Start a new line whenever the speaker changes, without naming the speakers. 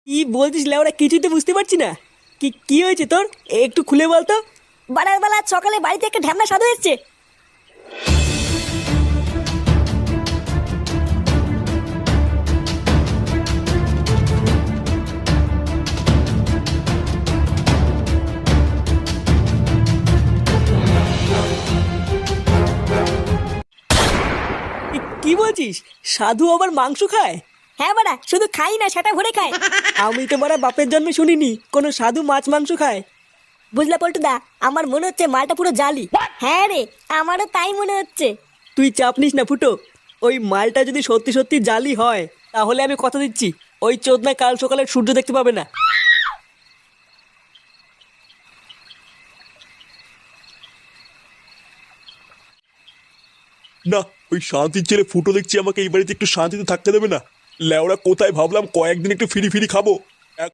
কি বলছিস লেওরা? কিছুই তো বুঝতে পারছি না। কি কি হয়েছে তোর? একটু খুলে বলতো।
বাড়ার বেলা সকালে বাড়িতে একটা ঢ্যামনা সাধু এসছে।
কি বলছিস? সাধু আবার মাংস খায়?
হ্যাঁ বাড়া, শুধু খাই না, সেটা ভরে খায়।
আমি তো মারা বাপের জন্মে শুনিনি কোনো সাধু মাছ মাংস খায়।
বুঝলা পল্টুদা, আমার মনে হচ্ছে মালটা পুরো জালি। হ্যাঁ রে, আমারও তাই মনে হচ্ছে।
তুই চাপ নিস না ফুটো। ওই মালটা যদি সত্যি সত্যি জালি হয়, তাহলে আমি কথা দিচ্ছি ওই চোদনা কাল সকালে সূর্য দেখতে পাবে না।
না, ওই শান্তির ছেলে ফুটো দেখছি আমাকে এই বাড়িতে একটু শান্তিতে থাকতে দেবে না। লেওড়া কোথায় ভাবলাম কয়েকদিন একটু ফিরি ফিরি খাবো,